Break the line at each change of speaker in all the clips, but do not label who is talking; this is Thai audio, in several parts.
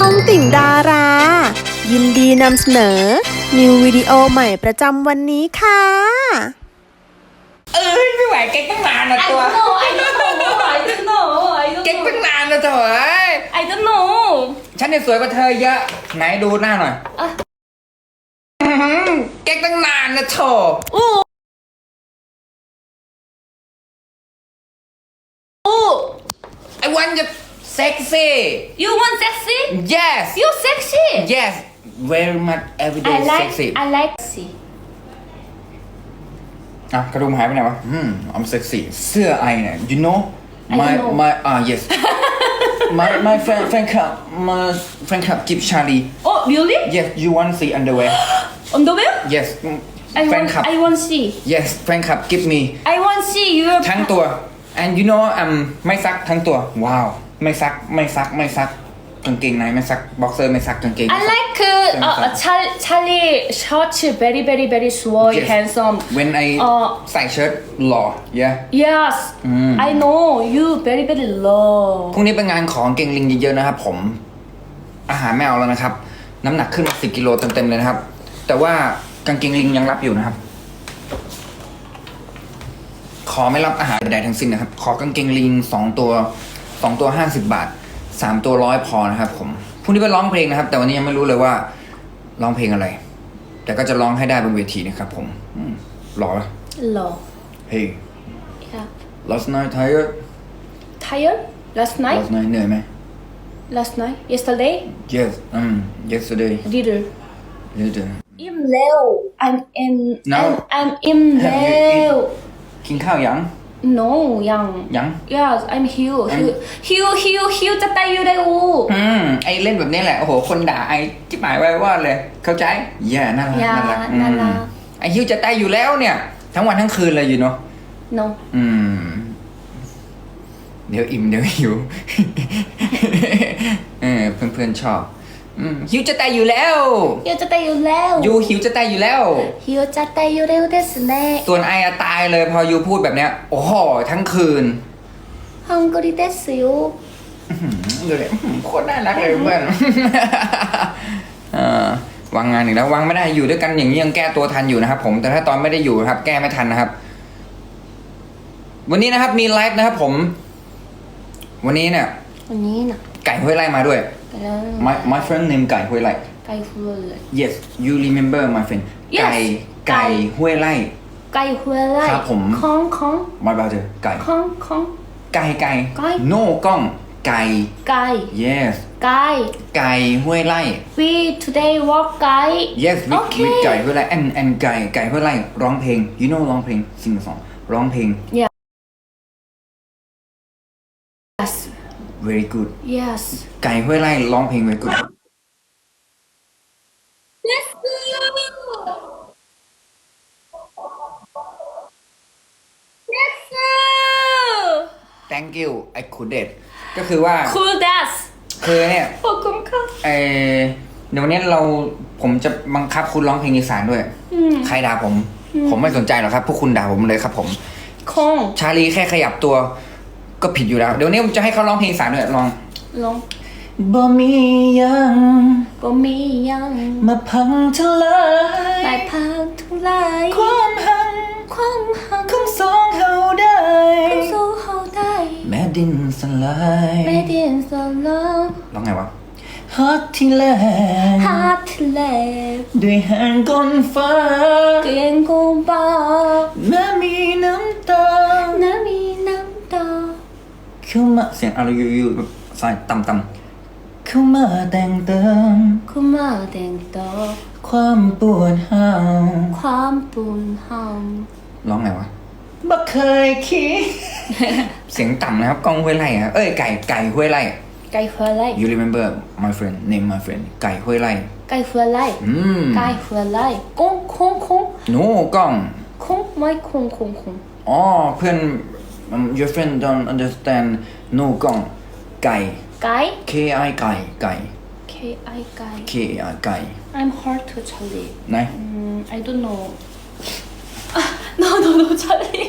องติ่งดารา ยินดีนำเสนอ นิววิดีโอใหม่ประจำวันนี้ค่ะ
ไม่ไหวเก๊กตั้งนานนะตัว
I don't know
เก๊กตั้งนานนะเถอะ
I don't know
ฉันเนี่ยสวยกว่าเธอเยอะไหนดูหน้าหน่อยเก๊กตั้งนานนะเถอะ I want you sexy
You want sexy
yes
You sexy
yes very much every day
I like
sexy
I like sexy
อ่ะกระดุมหายไปไหนวะI'm sexy เสื้อไอเนี่ย you know
I
my
don't know.
my yes my fan club give Charlie
Oh really
yes you want see underwear
Underwear
yes
I
fan
want
club
I want see
yes fan club give me
I want see your
ทั้งตัว and you know ไม่ซักทั้งตัวว้าวไม่ซักกางเกงในไม่ซักบ็อกเซอร์ไม่ซักกางเกง
I like Charlie shorts very small
Yes.
handsome
when I ใส่เชิ้ตหล่อ yeah
Yes I know you very low
พรุ่งนี้เป็นงานของเกงลิงเยอะๆนะครับผมอาหารไม่เอาแล้วนะครับน้ำหนักขึ้นมา10 กิโลเต็มๆเลยนะครับแต่ว่ากางเกงลิงยังรับอยู่นะครับขอไม่รับอาหารใดๆทั้งสิ้นนะครับขอกางเกงลิง2 ตัว50 บาท3 ตัว100พอนะครับผมพรุ่งนี้ไปร้องเพลงนะครับ แต่วันนี้ยังไม่รู้เลยว่าร้องเพลงอะไร แต่ก็จะร้องให้ได้บนเวทีนะครับผมรอละ
Low
Hey
Yeah
last night tired
Tired last night
last night เหนื่อยไหม
Last night Yesterday
Yes yesterday
Little
later
I'm low
No.
I'm in
Have you
low
กินข้าวยัง
No ยัง Yes I'm Hill จะตายอยู่ได้อู
ไอเล่นแบบนี้แหละโอ้โหคนด่าไอจิ๋หมายไว้ว่าเลยเข้าใจแย่น่ารัก
อย่า
น่ารัก
น่ารัก
ไอฮิวจะตายอยู่แล้วเนี่ย ทั้งวันทั้งคืนเลยอยู่เนาะ
No
เดี๋ยวอิ่มเดี๋ยวหิว เพื่อนๆชอบหิวจะตายอยู่แล้ว
ฮิวจะตายอยู่แล้ว
ยูหิวจะตายอยู่แล้ว
ฮิวจะตายอยู่แล้วですね
ส่วนไออะตายเลยพอยูพูดแบบเนี้ยโอ้โหทั้งคืน
ฮังกอริですよ
ดูเลยโคตรน่ารักเลยเพื่อน วางงานอีกแล้ววางไม่ได้อยู่ด้วยกันอย่างนี้ยังแก้ตัวทันอยู่นะครับผมแต่ถ้าตอนไม่ได้อยู่ครับแก้ไม่ทันนะครับวันนี้นะครับมีไลฟ์นะครับผมวันนี้เนี่ย
วันนี้นะ
ไก่ห้วยไร่มาด้วย my friend name ไก่ห้วยไร่
ไก่หัวเลย
yes you remember my friend
Yes
ไก่ห้วยไร่
ไก่หัวเลย
ครับผม
ของ
my brother ไก่
ของ
ไก่
ไก่
no กล้องไก่
ไก่
yes
ไก่
ไก่ห้วยไร่
We today walk ไก่
yes with
Okay.
with ไก่ห้วยไร่ and ไก่ห้วยไร่ร้องเพลง you know ร้องเพลง sing a song ร้องเพลง
Yes
very good
Yes
ไก่ห้วยไร่ร้องเพลง very good
Let's go Let's go
thank you I couldn't ก็คือว่า
Cool dance
คือเนี่ย
ขอบคุณค่ะ
เดี๋ยววันนี้ผมจะบังคับคุณร้องเพลงอีสานด้วย ใครด่าผม ผมไม่สนใจหรอกครับ พวกคุณด่าผมเลยครับผม
คง
ชาลีแค่ขยับตัวก็ผิดอยู่แล้ว เดี๋ยวนี้ผมจะให้เขาร้องเพลงอีสานด้วยลอง
ลง
บ่มียัง
บ่มียัง
มาพังทลาย
ไปพังทุลาย
ความหัง
ความหัก
ของสองเฮาได้
ของสู้เฮาได้
แม่ดินสลาย
ไม่เดียนสลอ
ร้องไงวะฮักที่แลง
ฮาร์ทแลบ
ด้วยแห่งก้นฟ้า
เกลียงกูบา
แม้มีน้ำตา
น้ำมีน้ำตา
เข้ามาเสียงอะไรอยู่แบบสายต่ำๆเข้ามาแต่งเติม
คุมาแต่งต่อ
ความปวดห้าว
ความปุ่นหอม
ร้องไงวะบ่เคยคิด เสียงต่ำนะครับกล้องห้วยไร่ครับเอ้ยไก่ห้วยไร่
ไก่หัวไหล่
you remember my friend name my friend ไก่ห้วยไร่
ไก่หัวไหล่ ไก่หัวไหล่คง
โน้กล้อง
คงไม่คง
อ๋อเพื่อนyour friend don't understand no กล้องไก่
ไก่
K I ไก่
K I ไก่
K I ไก่
I'm hard to Charlie
ไหน
I don't know no Charlie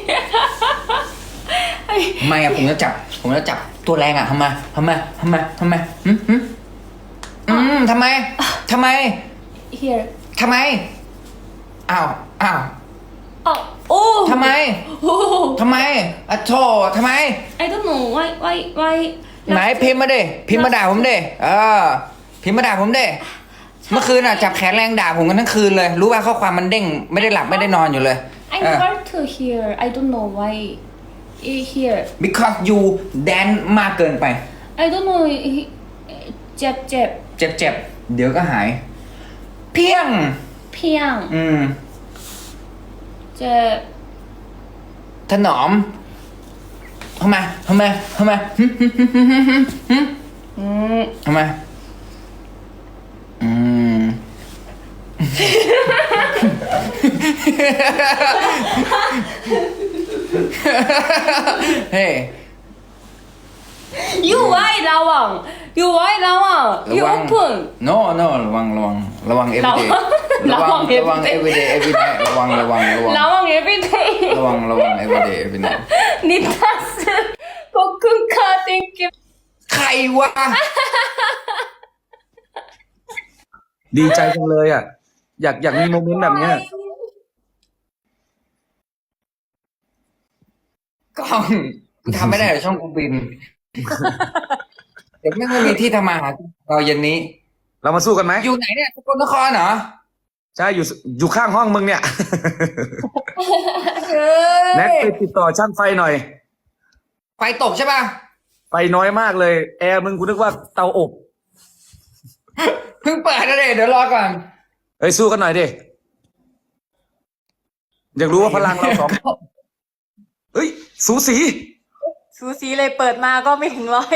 ไม่อะผมจะจับตัวแรงอะทำไมทำไม
here
ทำไม อ้าว
oh
ทำไม
oh
ทำไมอ่ะโธ่ทำไม
I don't know why
ไหนพิมพ์มาดิพิมพ์มาด่าผมดิพิมพ์มาด่าผมดิเมื่อคืนอ่ะจับแขนแรงด่าผมกันทั้งคืนเลย รู้ว่าข้อความมันเด้งไม่ได้หลับไม่ได้นอนอยู่เลย
I never to hear I don't know why here
because you dance มากเกินไป
I don't know เจ็บ
เจ็บเดี๋ยวก็หาย เพียง
เพียง เจ็บ
ถนอมทำไมทำไมทำไมเฮ้
you why ระวัง you why ระวัง you open
no ระวัง everyday ระวัง everyday ระวัง
ระวัง everyday
ระวัง everyday
นิทัสขอบคุณค่ะ thank you
ใครวะ
ดีใจจังเลยอ่ะ อยากมีโมเมนต์แบบเนี้ย
กล้องทำไม่ได้เหรอช่องกูบิน เดี๋ยวไม่มีที่ทำมาหาเราเย็นนี้
เรามาสู้กันไหม
อยู่ไหนเนี่ยสกลนครเหรอ
ใช่อยู่ข้างห้องมึงเนี่ย แน็กไปติดต่อช่างไฟหน่อย
ไฟตกใช่ป่ะ
ไฟน้อยมากเลย แอร์มึงกูนึกว่าเตาอบ
เพิ่งเปิดนะเดี๋ยวรอก่อน
เฮ้ยสู้กันหน่อยดิอยากรู้ว่าพลังเราสองเฮ้ยสูสี
สูสีเลยเปิดมาก็ไม่ถึงร้อย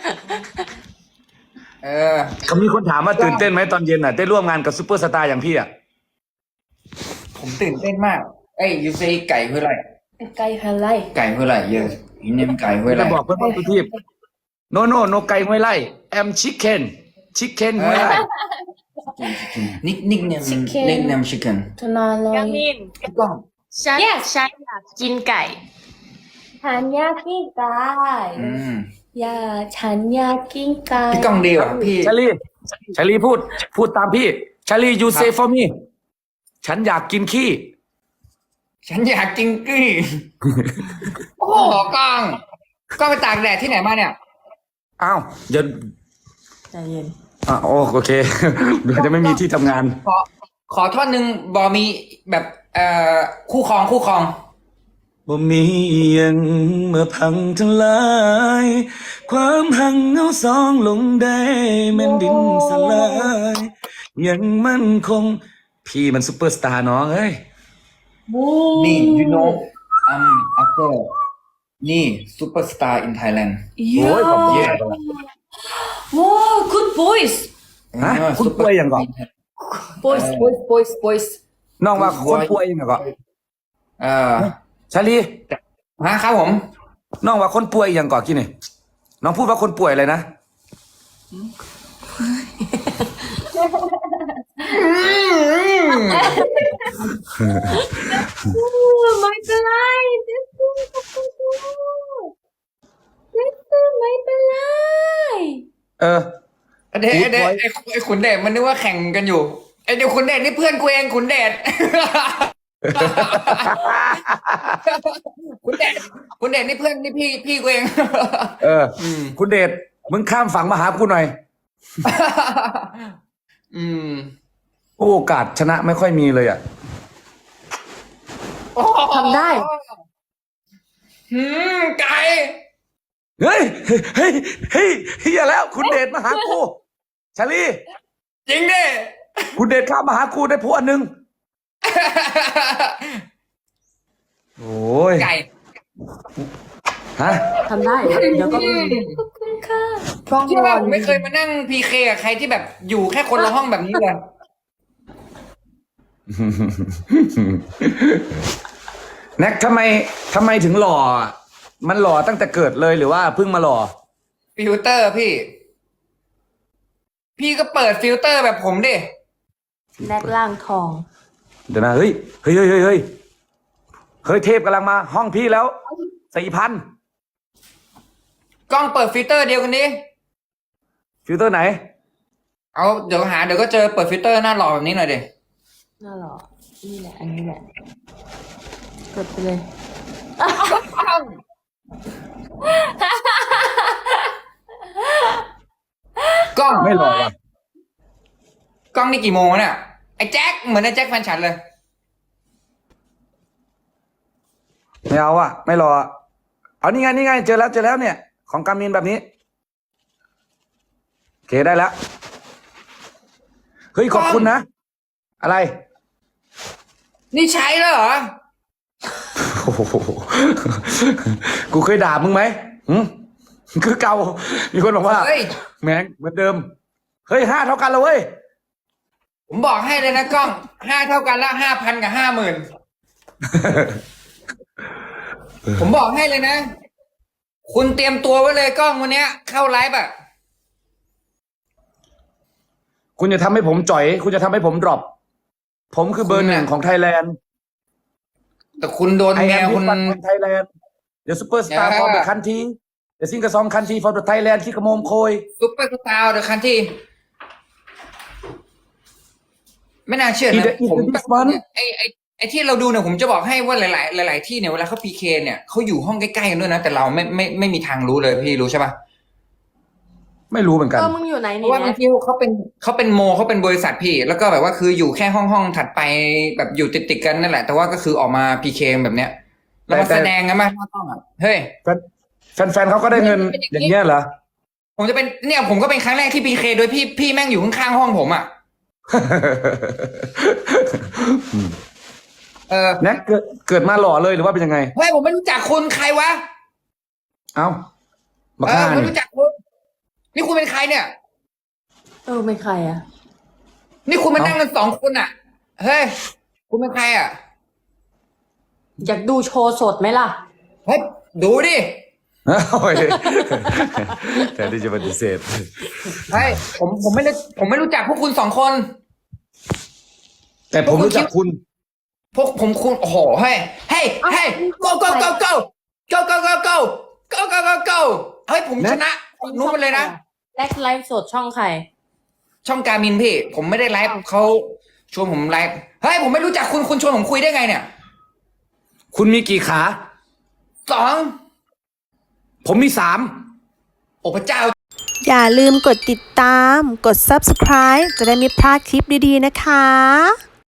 เขามีคนถามว่าตื่นเต้นไหมตอนเย็นอ่ะได้ร่วมงานกับซูเปอร์สตาร์อย่างพี่อ่ะ
ผมตื่นเต้นมาก เอ้ยยูซีไก่เพื่ออะไร
ไก่อะไร
ไก่เพื่ออะไรเยอะอินเนมไก่เพื่ออะไร
จะบอกเพื่อนๆทุกทีมโนไก่ห้วยไล่แอมชิคเก้นห้วยไล่
นิกเนมชิคเก้น
ทนาลอย
มิน
กล้อง
ฉันอยากกินไก่
ฉันอยากกินไก่ฉันอยากกินไก่
พี่กล้องดีว่ะพี่
ชาลีพูดตามพี่ชาลี you say for me ฉันอยากกินขี้
ฉันอยากกินกี้ โอ้โหกล้องไปตากแดดที่ไหนมาเนี่ย
อ้าวเดี๋ยว
ใจเย็น
โอเค เดี๋ยวจะไม่มีที่ทำงาน
ขอท่อนหนึ่งบอมีแบบคู่ครอง
บ่มีอิหยังเมื่อพังทั้งหลาย ความหังเงาสองลงได้แม่นดินสลาย ยังมั่นคง พี่มันซุปเปอร์สตาร์น้องเอ้ย
นี่ you know I'm after นี่ superstar in Thailand
โอ้ยขอบคุณ
Yeah
ว้าว good voice
ฮะคุณป่วยยังก่อน
voice
น้องว่าคนป่วยยังก่อนชาลี
ครับผม
น้องว่าคนป่วยยังก่อนกี่นี่น้องพูดว่าคนป่วยอะไรนะ
ไม่เป็นไรไม่เป็นไร
เดชไอ้ขุนเดชมันนึกว่าแข่งกันอยู่ไอ้เดี๋ยวขุนเดชนี่เพื่อนกูเองขุนเดช คุณเดชนี่เพื่อนนี่พี่กูเอง
คุณเดชมึงข้ามฝั่งมาหากูหน่อย โอกาสชนะไม่ค่อยมีเลยอ่ะ
ทำได้
ไก่
เฮ้ยเฮียแล้ว คุณเดชมาหากูชาลี
จริงดิ
คุณเดชข้ามมาหากูได้พวกนึง โอ้ย
ไก่
ฮะ
ทำได้ เดี๋ยวก็มี
ขอบคุณค่ะ
เชื่อว่าผมไม่เคยมานั่งพีเคกับใครที่แบบอยู่แค่คนละห้องแบบนี้เลย
แน็กทำไมถึงหล่ออะมันหล่อตั้งแต่เกิดเลยหรือว่าเพิ่งมาหล่อ
ฟิลเตอร์พี่ก็เปิดฟิลเตอร์แบบผมดิ
แนกล่างทอง
เดี๋ยวนะเฮ้ยเทพกำลังมาห้องพี่แล้ว4,000
กล้องเปิดฟิลเตอร์เดียวกันนี้
ฟิลเตอร์ไหน
เอาเดี๋ยวเดี๋ยวก็เจอเปิดฟิลเตอร์หน้าหล่อแบบนี้หน่อยเด็
น่าหรอนี่แหละ อันนี้แหละกดไปเลย
กล้อง
ไม่หล่อว่ะ
กล้องนี่กี่โมงเนี่ยไอ้แจ็คเหมือนไอ้แจ็คแฟนฉันเลย
ไม่เอาอ่ะ ไม่หล่ออะเอานี่ไงเจอแล้วเนี่ย ของกามินแบบนี้โอเคได้แล้วเฮ้ยขอบคุณนะ อะไร
นี่ใช้แล้วเหรอ
โอ้โหกูเคยด่ามึงไหมคือเก่ามีคนบอกว่า
เฮ้ย
แม่งเหมือนเดิมเฮ้ย5 เท่ากันแล้วเว้ย
ผมบอกให้เลยนะกล้อง5 เท่ากันละ5,000 กับ 50,000ผมบอกให้เลยนะ คุณเตรียมตัวไว้เลยกล้องวันเนี้ย เข้าไลฟ์อะ
คุณจะทำให้ผมจ่อย คุณจะทำให้ผมดรอปผมคือเบอร์ 1ของไทยแลนด์
แต่คุณโดน
I
แมว
am
คุณ
thisไทยแลนด์ The superstar
อย่า
for the country The singer song country for the Thailand ที่กระโมมโคย
ซุปเปอร์สตาร์เดอะคันที่ไม่น่าเชื่อ
He
นะ
the- he
ผม
the this one
ไอ้ที่เราดูเนี่ยผมจะบอกให้ว่าหลายที่เนี่ยเวลาเขาพีเคเนี่ยเขาอยู่ห้องใกล้ๆกันด้วยนะ แต่เราไม่มีทางรู้เลยพี่รู้ใช่ปะ
ไม่รู้เหมือนกัน
มึงอยู่ไหน
เพ
นี่
ราะว่าบาง
นะ
ทีเขาเป็นโมเขาเป็นบริษัทพี่ แล้วก็แบบว่าคืออยู่แค่ห้องถัดไปแบบอยู่ติดกันนั่นแหละ แต่ว่าก็คือออกมาพีเคแบบเนี้ยแล้วมา
แต่
แสดงกันมาหน้าต้องอ่ะเฮ้ย
แฟนเขาก็ได้เงินอย่างเงี้ยเหรอ
ผมจะเป็นเนี่ยผมก็เป็นครั้งแรกที่พีเคโดยพี่แม่งอยู่ข้างๆห้องผมอ่ะ
แน็กเกิดมาหล่อเลยหรือว่าเป็นยังไง
เฮ้ยผมไม่รู้จักคุณใครวะ
เอ้าบัก
เอ
ห่า
อไม่
นี่
รู้จักคุณนี่คุณเป็นใครเนี่ย
เป็นใครอ่ะ
นี่คุณมานั่งกัน2 คนอ่ะ เฮ้ย คุณเป็นใครอ่ะ
อยากดูโชว์สดไหมล่ะ
เฮ้ย ดูดิ
โอ้ยแต่ที่จะปฏิเสธ
เฮ้ย ผมไม่รู้จักพวกคุณ2 คน
แต่ผมรู้จักคุณ
พวกคุณโอ้โห เฮ้ย เฮ้ย เฮ้ย go go go go go go go go go go go go เฮ้ย ผมชนะนู้นไปเลยนะ
แลกไลฟ์สดช่องใคร
ช่องการมินพี่ ผมไม่ได้ไลฟ์เขาชวนผมไลฟ์ เฮ้ย ผมไม่รู้จักคุณชวนผมคุยได้ไงเนี่ย
คุณมีกี่ขา
2
ผมมี 3
โอ้พระเจ้า
อย่าลืมกดติดตาม กด subscribe จะได้ไม่พลาดคลิปดีๆนะคะ